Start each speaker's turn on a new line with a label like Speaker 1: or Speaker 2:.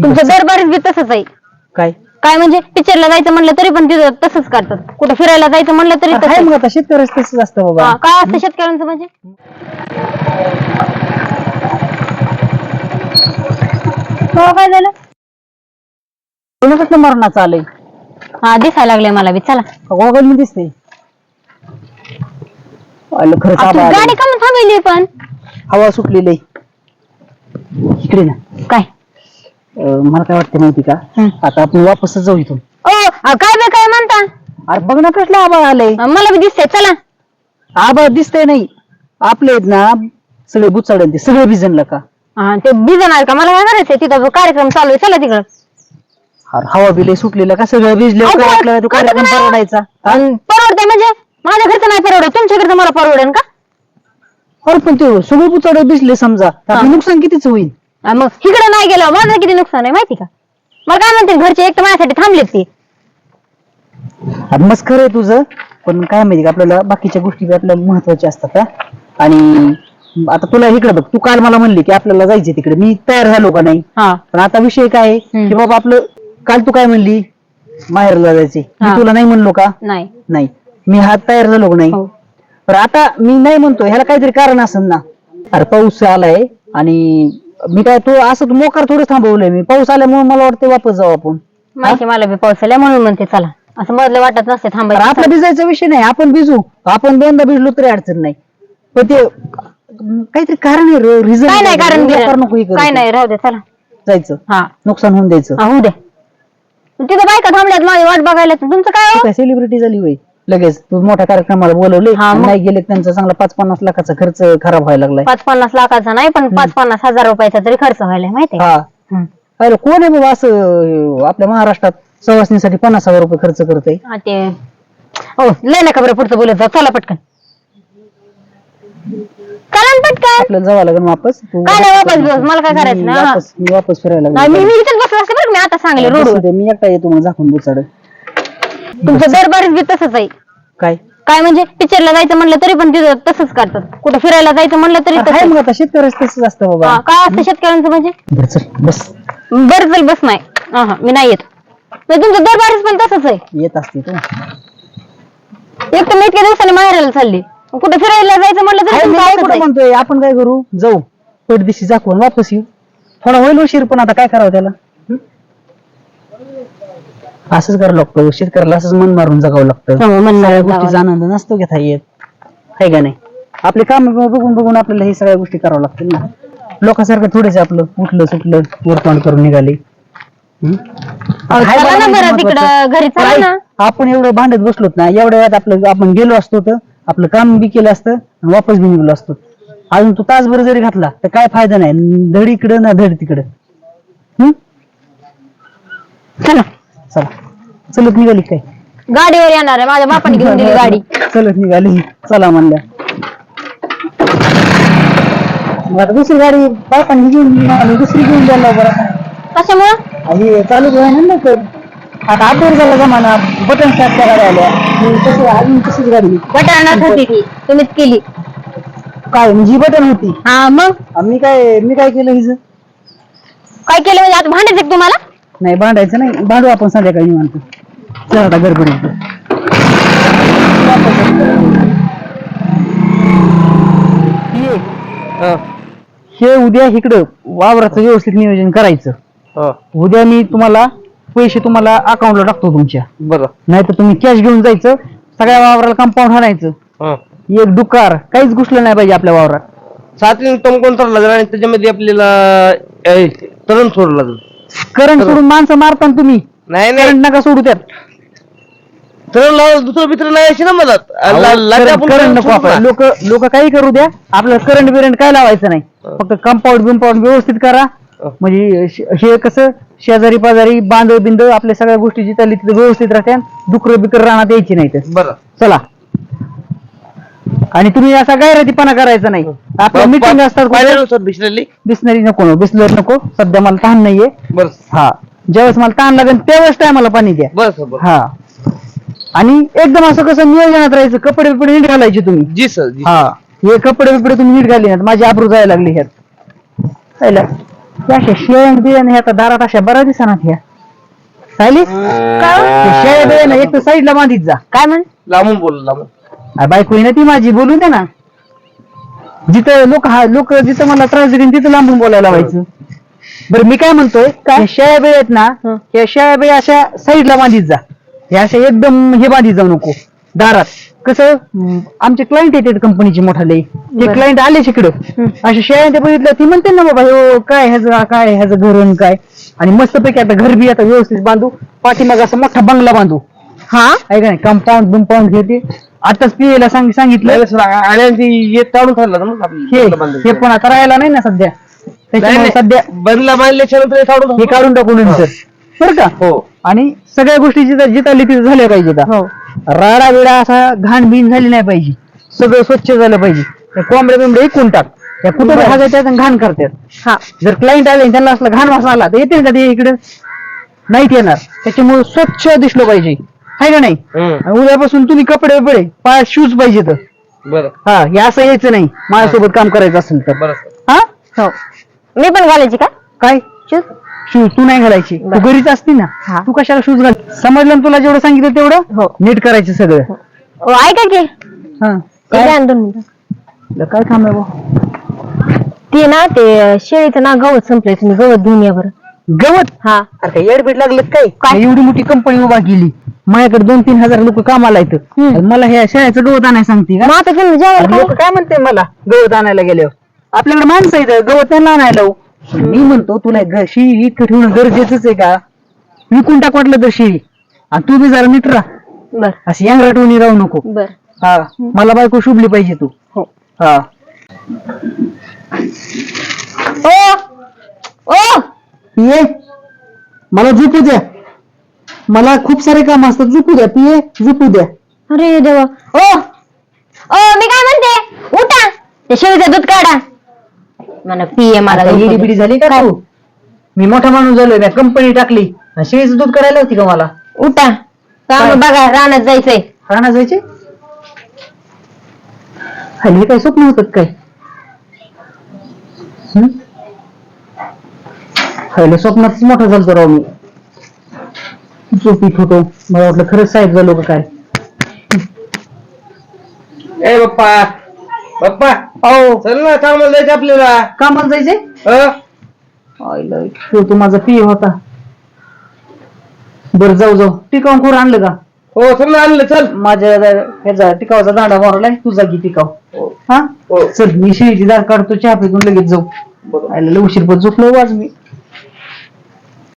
Speaker 1: तुमचं दरबारीच बी तसंच आहे.
Speaker 2: काय
Speaker 1: काय म्हणजे पिक्चरला जायचं म्हणलं तरी पण तिथं तसंच करतात. कुठं फिरायला जायचं म्हणलं तरी
Speaker 2: काय
Speaker 1: तसंच.
Speaker 2: मग आता शेतकऱ्याच तसंच असतं बाबा.
Speaker 1: काय असतं शेतकऱ्यांचं म्हणजे? काय झालं?
Speaker 2: तुला कसलं मरणाचं आलंय?
Speaker 1: हा दिसायला लागलंय मला बी. चला
Speaker 2: गॉगल मी दिसते. खरंच
Speaker 1: आपली
Speaker 2: आबा
Speaker 1: गाडी का थांबली पण?
Speaker 2: हवा सुटलेली इकडे ना.
Speaker 1: काय
Speaker 2: मला काय वाटतं माहिती का, आता आपण वापसच जाऊ इथून.
Speaker 1: काय बे काय म्हणता?
Speaker 2: अरे बघ ना कसलं आबा आलंय.
Speaker 1: मला बी दिसतंय. चला.
Speaker 2: आबा दिसतंय नाही, आपले आहेत ना सगळे बुचाडन ते सगळे भिजनला का.
Speaker 1: ते भिजणार का? मला काय करायचंय तिथं कार्यक्रम चालू आहे. चला तिकडं.
Speaker 2: अरे हवा बिले सुटलेला का सगळं भिजलं काय आपल्याला तो कार्यक्रम परवडायचा.
Speaker 1: परवडतंय म्हणजे माझ्या घरचं नाही परवडत, तुमच्या घरचं मला परवडेल का?
Speaker 2: अरे पण ते सगळे बुचाड भिजले समजा, आपलं नुकसान कितीच होईल.
Speaker 1: मग इकडे नाही गेलं माझं किती नुकसान आहे माहिती का? मला काय म्हणते घरचे एक तर माझ्यासाठी थांबलेत ते.
Speaker 2: मस्त खरं आहे तुझं, पण काय माहिती का आपल्याला बाकीच्या गोष्टी आपल्याला महत्वाच्या असतात. आणि आता तुला इकडे बघ, तू काल मला म्हणली की आपल्याला जायचे तिकडे, मी तयार झालो का नाही. पण आता विषय काय आहे की बाबा आपलं, काल तू काय म्हणली माहेरला जायचे, मी तुला नाही म्हणलो का? नाही मी हात तयार झालो का नाही. तर आता मी नाही म्हणतो, ह्याला काहीतरी कारण असेल ना. अरे पाऊस आलाय आणि मी काय तू असं मोकार थोडं थांबवलंय मी, पाऊस आल्यामुळे मला वाटतं वापस जाऊ आपण.
Speaker 1: माहिती मला बी पाऊस आल्या म्हणून म्हणते चला, असं मधलं वाटत नसते थांबायचं.
Speaker 2: आपला भिजायचा विषय नाही, आपण भिजू, आपण दोनदा भिजलो तरी अडचण नाही. पण ते काहीतरी कारण आहे, रिझन
Speaker 1: काय नाही कारण
Speaker 2: नको
Speaker 1: काय नाही, राहू दे चला
Speaker 2: जायचं. नुकसान होऊन द्यायचं.
Speaker 1: होऊ दे. तिथं बायका थांबल्यात माझी वाट बघायला, तुमचं काय?
Speaker 2: सेलिब्रिटी झाली होय लगेच, तू मोठ्या कार्यक्रमाला बोलवले नाही गेले, त्यांचा चांगला 5-50 लाखाचा खर्च खराब व्हायला लागलाय.
Speaker 1: 5-50 लाखाचा नाही पण 5-50 हजार रुपयाचा तरी खर्च व्हायला माहिती.
Speaker 2: अरे कोण आहे बाबा असं आपल्या महाराष्ट्रात सवासणीसाठी 50,000 रुपये खर्च करतय.
Speaker 1: ते हो लय नका बरं पुढचं बोलत जा. चला पटकन पटकन
Speaker 2: आपल्याला जावं लागेल वापस.
Speaker 1: काय नाही वापस बस, मला काय करायचं
Speaker 2: मी वापस फिरायला
Speaker 1: मी इथेच बसलो असते बरं. मी आता सांगले रोड
Speaker 2: मी एकटा येतो मग झाकून बुचाड.
Speaker 1: तुमचं दरबारीच बी तसंच आहे. काय म्हणजे पिक्चरला जायचं म्हणलं तरी पण तिथं तसंच करतात. कुठं फिरायला जायचं म्हणलं तरी
Speaker 2: मग आता शेतकऱ्याच तसंच असतं बाबा.
Speaker 1: काय असतं शेतकऱ्यांचं म्हणजे?
Speaker 2: बस
Speaker 1: बरं चल बस. नाही मी नाही येत. तुमचं दरबारीच पण तसंच आहे.
Speaker 2: येत असते तू
Speaker 1: एक तर मी इतक्या दिवसांनी माहेराला चालली, कुठं फिरायला जायचं म्हणलं तरी
Speaker 2: म्हणतोय आपण काय करू, जाऊ पडदिशी झाकून वापस येऊ. थोडा होईल उशीर, पण आता काय करावं त्याला. असंच करावं लागतं शेतकऱ्याला, असंच मन मारून जगावं लागतं. सगळ्या गोष्टीचा आनंद नसतो घेता येत, आहे का नाही. आपले काम बघून बघून आपल्याला हे सगळ्या गोष्टी कराव्या लागतील ना. लोकांसारखं थोडेच आपलं उठलं सुटलं वरतोंड करून निघाले. आपण एवढं भांडत बसलोत ना, एवढ्या वेळात आपलं आपण गेलो असतो तर आपलं काम बी केलं असतं आणि वापस बी निघलो असतो. अजून तू तासभर जरी घातला तर काय फायदा नाही, धड इकडं ना धड तिकडं. चला चला चलत निघाली काय?
Speaker 1: गाडीवर येणार आहे, माझ्या बापाने घेऊन दिली गाडी.
Speaker 2: चलत निघाली चला म्हणल्या. आता दुसरी गाडी बापाने घेऊन दुसरी घेऊन द्यायला बरं. कशामुळं चालू आहे ना तर आता आठवर झाला जमाना, बटन स्टार्टच्या गाड्या आल्या. अजून तशीच गाडी
Speaker 1: बटन होती तुम्हीच केली
Speaker 2: काय म्हणजे बटन होती.
Speaker 1: मग
Speaker 2: मी काय केलं हिचं?
Speaker 1: काय केलं म्हणजे आता भांडायचं तुम्हाला?
Speaker 2: नाही भांडायचं नाही, भांडू आपण संध्याकाळी निवांत. चला आता गडबडीत हे उद्या इकडं वावराचं व्यवस्थित नियोजन करायचं. उद्या मी तुम्हाला पैसे तुम्हाला अकाउंटला टाकतो तुमच्या. बरं नाही तर तुम्ही कॅश घेऊन जायचं, सगळ्या वावराला कंपाऊंड हाणायचं. एक डुकार काहीच घुसलं नाही पाहिजे आपल्या वावरात.
Speaker 3: 7 टन कोण चालला जाईल आणि त्याच्यामध्ये आपल्याला तरण सोडलं लागेल.
Speaker 2: करंट सोडून माणसं मारता तुम्ही. नाही करंट नका सोडू त्यात.
Speaker 3: तरण लावून दुसरं मित्र नाही अशी ना मदत.
Speaker 2: करंट नको आपण. लोक काही करू द्या, आपल्याला करंट बिरंट काय लावायचं नाही. फक्त कंपाऊंड बिंपाऊंड व्यवस्थित करा. म्हणजे हे कसं शेजारी पाजारी बांधव बिंद आपल्या सगळ्या गोष्टी जिथे तिथे व्यवस्थित राहत्या. डुकर बिकर राहण्यात यायची नाही. तर बरं चला. आणि तुम्ही असा गैरतीपणा करायचा नाही. आपल्या मीटिंग असतात बिस्लरी नको, बिस्लरी नको. सध्या मला तहान नाहीये.
Speaker 3: बरं
Speaker 2: ज्यावेळेस मला तहान लागेल त्यावेळेस टायमाला पाणी द्या.
Speaker 3: बरं
Speaker 2: आणि एकदम असं कसं नियोजनात राहायचं. कपडे बिपडे नीट घालायचे तुम्ही.
Speaker 3: जी सर.
Speaker 2: हे कपडे बिपडे तुम्ही नीट घाली ना, माझी आबरू जायला लागली ह्यात. अशा शेळ्या बिळ्याने आता दारात अशा बऱ्या दिसणार ह्या सायली शेळ्या बिळ्याने एक तर साईडला बांधित जा.
Speaker 1: काय म्हण
Speaker 3: लांबून बोल लांबून.
Speaker 2: बायको आहे ना ती माझी, बोलून दे ना. जिथं लोक जिथं मला त्रास देतील तिथं लांबून बोलायला व्हायचं. बरं मी काय म्हणतोय, काय शेळ्या बिळ्या आहेत ना, या शेळ्या बिळ्या अशा साईडला बांधित जा. हे अशा एकदम हे बांधित जाऊ नको दारात. कसं आमचे क्लायंट येतात कंपनीचे मोठाले, ते क्लायंट आले तिकडं अशा शेळ्या ते बघितलं ती म्हणते ना बाबा हो काय ह्याचं घरून काय. आणि मस्तपैकी आता घर बी आता व्यवस्थित बांधू, पाठीमाग असा मोठा बंगला बांधू. हा आहे का नाही, कंपाऊंड बिंपाऊंड घेते. आताच पियला सांगितलं
Speaker 3: आणि ताडून ठरलं
Speaker 2: हे पण आता राहायला नाही ना सध्या, त्याच्यामुळे सध्या
Speaker 3: बंगला बांधल्याच्या नंतर ताडून
Speaker 2: हे काढून टाकू नंतर बरं का.
Speaker 3: हो.
Speaker 2: आणि सगळ्या गोष्टी जिथं तिथं झाल्या पाहिजे. राडा बिडा असा घाण बिन झाली नाही पाहिजे, सगळं स्वच्छ झालं पाहिजे. त्या कोंबड्या बिंबड्या इकून टाक, त्या कुठं भागायच्यात आणि घाण करतात. जर क्लायंट आले आणि त्यांना असला घाण वासा आला तर येतील का ते इकडे, नाहीत येणार. त्याच्यामुळे स्वच्छ दिसलं पाहिजे, आहे का नाही. आणि उद्यापासून तुम्ही कपडे बिपडे पायात शूज पाहिजे तर
Speaker 3: बरं.
Speaker 2: हा हे असं यायचं नाही माझ्यासोबत काम करायचं असेल तर.
Speaker 3: बरं.
Speaker 1: हा हो मी पण घालायची का
Speaker 2: काय
Speaker 1: शूज?
Speaker 2: शूज तू नाही घालायची, तू घरीच असती ना, तू कशाला शूज घाल. समजलं ना तुला जेवढं सांगितलं तेवढं नीट करायचं सगळं.
Speaker 1: ऐका की
Speaker 2: हा
Speaker 1: काय आणतो
Speaker 2: काय काम आहे भाऊ?
Speaker 1: ते ना ते शेळीचं ना गवत संपलंय, तुम्ही गवत घेऊन या बरं.
Speaker 2: गवत?
Speaker 1: हा
Speaker 2: अरे काय येडबीड लागलं काय? एवढी मोठी कंपनी उभा केली, माझ्याकडे 2-3 हजार लोक कामाला येतं, मला ह्या शेळ्याचं गवत आणायला सांगते का?
Speaker 1: मग आता तुम्ही जेवायला
Speaker 2: लोक काय म्हणते मला गवत आणायला गेल्यावर? आपल्याकडे माणसं येतं गवत त्यांना आणायला. मी म्हणतो तुला शेळी इतकं ठेवणं गरजेचंच आहे का? विकून टाक वाटलं तर शेळी, आणि तू बी जरा नीट राहा,
Speaker 1: बर
Speaker 2: अशी यांगराटवणी राहू नको.
Speaker 1: बर
Speaker 2: हा मला बायको शुभली पाहिजे तू.
Speaker 1: हो.
Speaker 2: हा
Speaker 1: ओ
Speaker 2: ये मला झोपू द्या, मला खूप सारे काम असतात, झोपू द्या. पिये झोपू द्या.
Speaker 1: अरे देवा. ओ ओ मी काय म्हणते, उठा ते शेळीचं दूध काढा. मला पिये मला
Speaker 2: आता येडी बिडी झाली का तू? मी मोठा माणूस झालोय, मी कंपनी टाकली, आणि शेळीचं दूध करायला होती का मला?
Speaker 1: उठा काम बघा, रानात जायचंय.
Speaker 2: राहणार जायचे हल्ली काय स्वप्न होतात काय? हल्ली स्वप्नात मोठा झालतो राव मी, झोपीत होतो, मला वाटलं खरंच साहेब झालो का काय.
Speaker 3: ए बाप्पा बाप्पा
Speaker 2: हो
Speaker 3: चल ना, कामाला जायचं आपल्याला.
Speaker 2: कामाला जायचे? आईला तू माझा पिय होता. बरं जाऊ टिकाव खोर आणलं का?
Speaker 3: हो चल ना, आणलं चल.
Speaker 2: माझ्या ह्याचा टिकावाचा दांडा मारलाय, तुझा की टिकाव. हा चल मी शेळीची दार काढतो, चहा पिऊन लगेच जाऊ. आईला उशीर पण झोपलो आज मी.